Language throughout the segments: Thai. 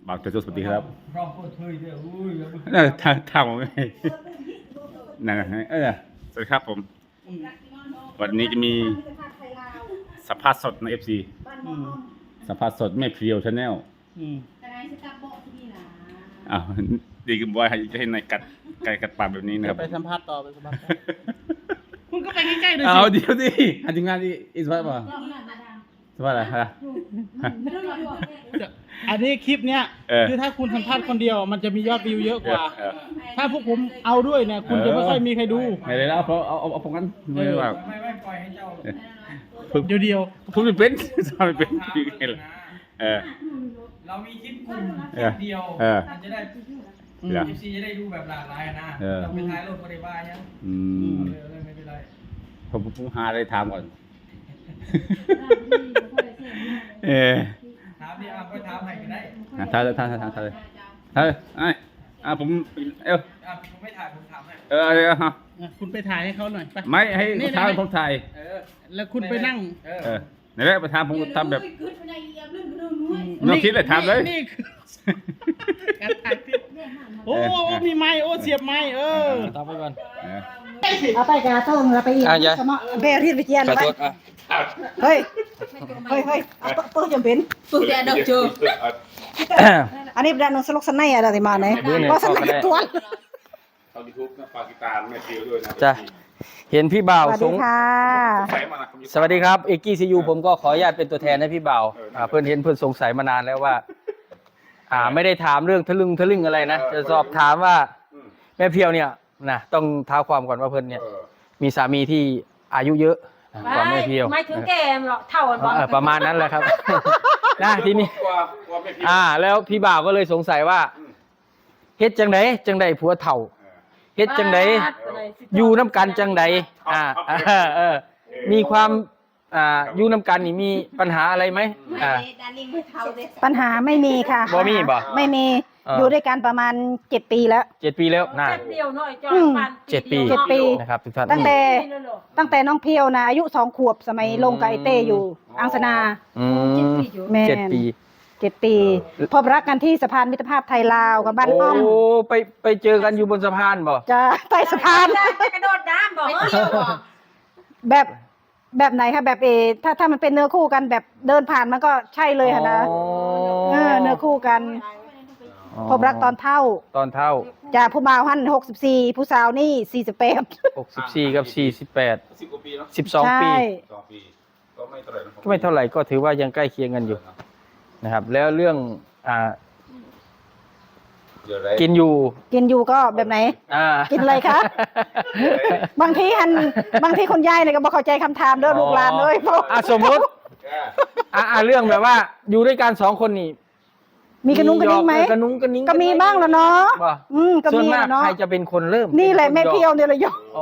บ่าวเจ้าสวัสดีครับรอบเปิดเผยเลยอุ้ยทางผมไม่นั่นสวัสดีครับผม วันนี้จะมีสัมภาษณ์สดใน FC สัมภาษณ์สดแม่เพียวชาแนลอ้าวดีกับบอยจะให้นายกัดปากแบบนี้นะครับไปสัมภาษณ์ต่อไปสัมภาษณ์ต่อคุณก็ไปใกล้ๆเลยสิเอาเดี๋ยวดิอันทีมงานอีสปาร์ตป่ะสปาร์ตอะไรฮะอันนี้คลิปเนี้ยเออคือถ้าคุณสัมภาษณ์คนเดียวมันจะมียอดวิวเยอะกว่า ถ้าพวกผมเอาด้วยเนี่ยคุณจะไม่ค่อยมีใครดูไม่ได้แล้วเพราะเอาผมกันไม่ได้ว่าไม่ปล่อยให้เจ้าเดียวพูดไม่เป็นสอนไม่เป็นยังไงล่ะเออเรามีคลิปกลุ่มคเอลิอปเดียวเออมันจะได้เหรอ FC จะได้ดูแบบหลากหลายนะเออเราไปท้ายรถบริบาลยังอืมเลยไม่เป็นไรผมหาอะไรถามก่อนเออถามดิก็ถามให้ก็ได้ถามเลยผมเออผมไม่ถ่ายผมถามให้ฮะๆคุณไปถ่ายให้เขาหน่อยไปไม่ให้นี่ถามนะผมถ่ายแล้วคุณไปนั่งเออไหนแหละไปถามผมทำแบบน้องคิดเลยถามเลยนี่คือการถ่ายคลิปโอ้มีไม้โอ้เสียบไม้ตามไปก่อนเอาไปกระต้มเราไปอีกสมอเบลที่ไปเจียนไปเฮ้ยเอาปื้จำเป็นฝึกแต่ดอกจูอันนี้เป็นนสลกสนายอะไรมาเนี่ยก็สนายตัวเขายูทูบนะฝากติดตามแม่เพียวด้วยนะจ้ะเห็นพี่บ่าวสวัสดีค่ะสวัสดีครับเอกกี้ซียูผมก็ขออนุญาตเป็นตัวแทนให้พี่บ่าวเพื่อนเห็นเพื่อนสงสัยมานานแล้วว่า ไม่ได้ถามเรื่องทะลึ่งอะไรนะจะสอบถามว่าแม่เพียวเนี่ยนะต้องเท้าความก่อนว่าเพื่อนเนี่ยมีสามีที่อายุเยอะกว่าแม่เพียวไม่ถึงแก่หรอกเท่ากันบ่ประมาณนั้นแหละครับ นะทีนี้แล้วพี่บ่าวก็เลยสงสัยว่าเฮ็ดจังไดผัวเฒ่าเฮ็ดจังไดอยู่น้ำกันจังไดมีความอยู่น้ำกันนี่มีปัญหาอะไรไหมปัญหาไม่มีค่ะบ่มีบ่ไม่มีอยู่ด้วยกันประมาณ7 ปีแล้ว 7 ปีแล้วนะแป๊บเดียวหน่อยจอปัน 7 ปี 7 ปีนะครับทุกท่านตั้งแต่น้องเพียวนะอายุ2 ขวบสมัยลงกับไอเต้อยู่อังสนา แม่ 7 ปี 7 ปีพบรักกันที่สะพานมิตรภาพไทยลาวกับบ้านอ้อมโอ้ไปเจอกันอยู่บนสะพานบ่จะใต้สะพานกระโดดน้ำบอกเที่ยวบอกแบบไหนคะแบบถ้ามันเป็นเนื้อคู่กันแบบเดินผ่านมันก็ใช่เลยค่ะนะเนื้อคู่กันพบรักตอนเท่า จากผู้บ่าวหั่น64ผู้สาวนี่48 64กับ48 10 กว่าปีเนาะ 12 ปีใช่ 2 ปีก็ไม่เท่าไหร่นะก็ไม่เท่าไหร่ก็ถือว่ายังใกล้เคียงกันอยู่นะครับ แล้วเรื่องเดี๋ยวไรกินอยู่กินอยู่ก็แบบไหน กินอะไรคะ บางทีคนยายเนี่ยก็บอกเข้าใจคำถามเด้อลูกหลานเลยเพราะสมมติเรื่องแบบว่าอยู่ด้วยกัน2 คนนี่มีกระนุ้งกระนิ้งไหมกระนุ้งกระนิ้งก็มีบ้างแล้วเนาะว่าก็ส่วนมีมากเนาะใครจะเป็นคนเริ่มนี่แหละแม่เพียวเนี่ยเลยยกโอ้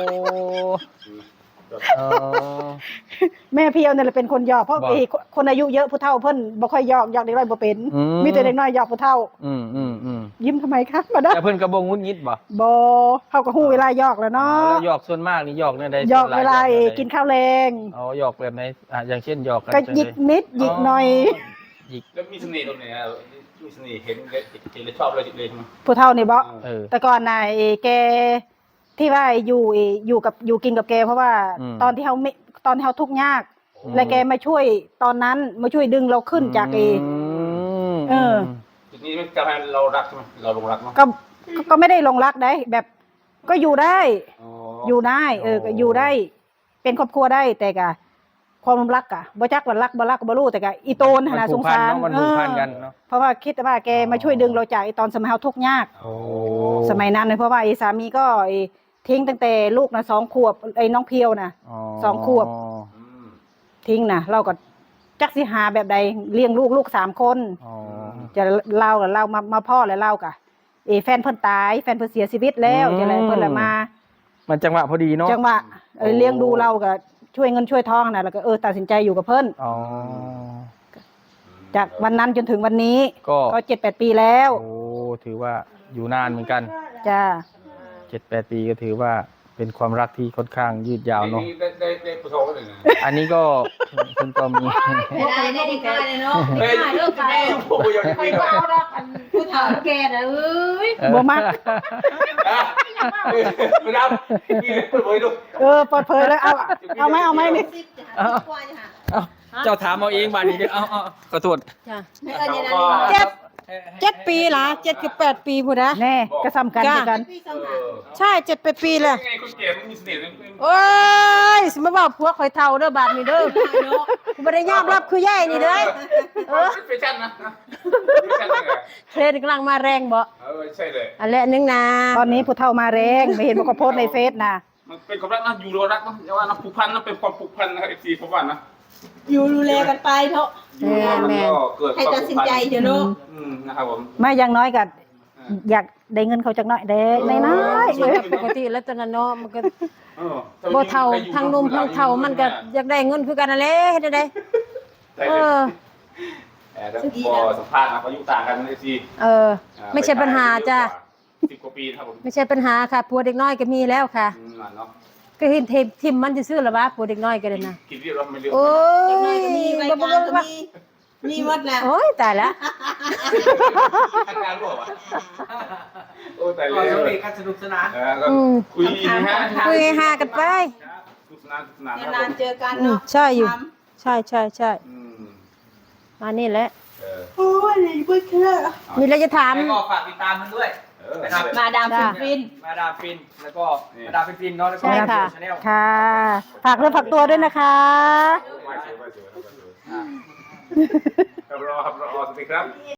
แม่เพียวเนี่ยแหละเป็นคนหยอกเพราะบอกคนอายุเยอะผู้เฒ่าเพิ่นบ่ค่อยหยอกเด็กน้อยบ่เป็นอืมมีแต่เด็กน้อยหยอกผู้เฒ่าอืมยิ้มทำไมคะมาเด้อแต่เพิ่นกระบงงุดงิดบ่บ่เฮาก็ฮู้เวลาหยอกแล้วเนาะแล้วหยอกส่วนมากนี่หยอกในใดหยอกส่นหเวลาหยอกในใดกินข้าวแรงอ๋อหยอกแบบไหนอย่างเช่นหยอกกันก็จังหยิกใดนิดหยิกหน่อยหยิกแล้วมีเสน่ห์ตรงไหนอ่ะมีเสน่ห์เห็นเลยชอบเลยใช่ไหมผู้เฒ่านี่บ่เแต่ก่อนน่ะแกที่ว่าอยู่กินกับแกเพราะว่าอืมตอนที่เขาทุกข์ยาก และแกมาช่วยตอนนั้นมาช่วยดึงเราขึ้นจากมจุดนี้ไม่ทำให้เรารักใช่ไหมเราลงรักเนาะก็ไม่ได้ลงรักได้แบบก็อยู่ได้ อยู่ได้ก็อยู่ได้ เป็นครอบครัวได้แต่กะความรักกะบ่จักว่ารักบ่รักบ่รู้แต่กะอีโตนหาสงสารมันผูกพันกันเนาะเพราะว่าคิดว่าแกมาช่วยดึงเราจากไอ้ตอนสมัยเฮาทุกข์ยากโอ้สมัยนั้นเลยเพราะว่าไอ้สามีก็ทิ้งตั้งแต่ลูกนะ2 ขวบไอ้น้องเพียวนะ 2 ขวบ ทิ้งนะเราก็จักสิหาแบบใดเลี้ยงลูก3 คนอ๋อจะเล่ากับเรามาพ่อแล้วเล่ากะแฟนเพิ่นตายแฟนเพิ่นเสียชีวิตแล้วจะอะไรเพิ่นละมามันจังหวะพอดีเนาะจังหวะเลี้ยงดูเราก็ช่วยเงินช่วยทองนะแล้วก็ตัดสินใจอยู่กับเพิ่นอ๋อจากวันนั้นจนถึงวันนี้ก็ 7-8 ปีแล้วโอ้ถือว่าอยู่นานเหมือนกันจ้า 7-8 ปีก็ถือว่าเเป็นความรักที่ค่อนข้างยืดยาวเนาะได้ผู้ชมกันเลยนะอันนี้ก็คุณก็มีไม่ได้ได้ดีกว่าเลยเนาะไม่ได้เลิกไปผมอยากไปเฝ้ารักอันผู้เฒ่าแก่น่ะเอ้ยบ่มักไม่ได้พี่เปิดเผยดูเปิดเผยเลยเอาไหมนี่เอาเจ้าถามเอาเองบาดนี้เด้อเอาขอโทษจ้ะไม่เอิ้นอย่างนั้น 7 ปีละ7 คือ8 ปีพูดนะแน่ก็ซ้ำกันคือกันใช่7 8 ปีเลยไงคนเก๋มันมีเสน่ห์โอ้ยสิมาบอกพวกข่อยเฒ่าเด้อบาดนี้เด้อกูบ่ได้ยอมรับคือย่ายนี่เด้อแฟชั่นนะแฟชั่นเลยเทรนด์กำลังมาแรงบ่ใช่เลยอันแหละนึงนะตอนนี้ผู้เฒ่ามาแรงไม่เห็นว่าเขาโพสต์ในเฟซนะมันเป็นความรักนะอยู่รอรักนะอย่าว่านะผูกพันนะเป็นความผูกพันนะครับFCผมว่านะอยู่ดูแลกันไปเถอะแม่เกิดให้ตัดสินใจเถอะเนาะนะครับผมไม่อยังน้อยก็อยากได้เงินเขาจักหน่อยเด้น้อยๆปกติแล้วตอนนั้นเนาะมันก็บ่เฒ่าทั้งหนุ่มทั้งเฒ่ามันก็อยากได้เงินคือกันนั่นแหละเฮ็ดได้เออแต่พอสัมภาษณ์นะเขาอยู่ต่างกันในซีไม่ใช่ปัญหาจ้ะ 10 กว่าปีครับผมไม่ใช่ปัญหาค่ะผัวเด็กน้อยก็มีแล้วค่ะเนาะก็เห็นทิมมันซื่อๆล่ะวะผัวเด็กน้อยก็ได้นะกินเรียบร้อยไม่เรียบโอ้ยมีใบบ่งานบ่ก็บ่มีหมดแล้วโอ้ยตายละทำงานรู้ป่ะโอ้แต่ก็เร็สวนุกกันสนุกสนานก็คุยนะฮะคุยหากันไปสนุกสนานนะนานๆเจอกันอืมเนาะใช่อยู่ ใช่มานี่แหละโอ้ยเบิ่งเถอะมีอะไรจะถามแล้วก็ฝากติดตามมันด้วยนะครับมาดามฟินมาดามฟินแล้วก็มาดามฟินเนาะแล้วก็ใช่ค่ะชาแนลค่ะฝากเรื่องฝากตัวด้วยนะคะครับรอสวัสดีครับ